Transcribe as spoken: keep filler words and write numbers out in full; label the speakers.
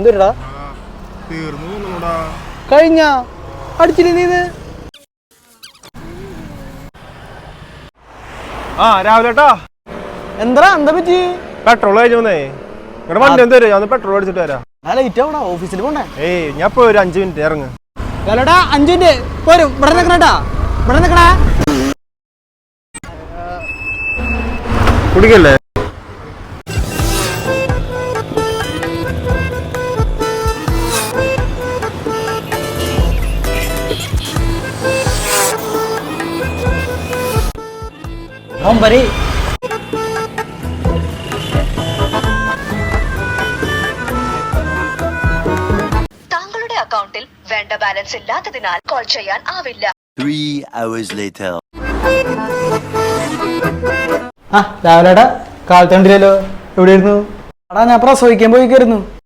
Speaker 1: എന്തുടാ കഴിഞ്ഞ അടിച്ചില്ല നീ
Speaker 2: ആ രാവിലെട്ടാ
Speaker 1: എന്താ എന്താ പറ്റി
Speaker 2: പെട്രോൾ കഴിഞ്ഞേ ഇവിടെ വണ്ടി എന്ത് വരും പെട്രോൾ അടിച്ചിട്ട് വരാം
Speaker 1: ലേറ്റ് ആവണോ ഓഫീസിൽ പോണ്ടേ
Speaker 2: ഏയ് ഞാൻ ഇപ്പൊ ഒരു അഞ്ചു മിനിറ്റ് ഇറങ്ങ്
Speaker 1: ഹലോടാ അഞ്ചു മിനിറ്റ് പോരും ഇവിടെ നിക്കണേട്ടാ ഇവിടെ നിക്കണേ
Speaker 2: കുടിക്കല്ലേ
Speaker 1: ഒമ്പരി
Speaker 3: താങ്കളുടെ അക്കൗണ്ടിൽ വേണ്ട ബാലൻസ് ഇല്ലാത്തതിനാൽ കോൾ ചെയ്യാൻ ആവില്ല.
Speaker 4: Three hours later.
Speaker 1: ആ രാവിലെടാ കാലത്ത് കണ്ടില്ലല്ലോ എവിടെയായിരുന്നു എടാ ഞാൻ പ്രസവിക്കാൻ പോയിക്കായിരുന്നു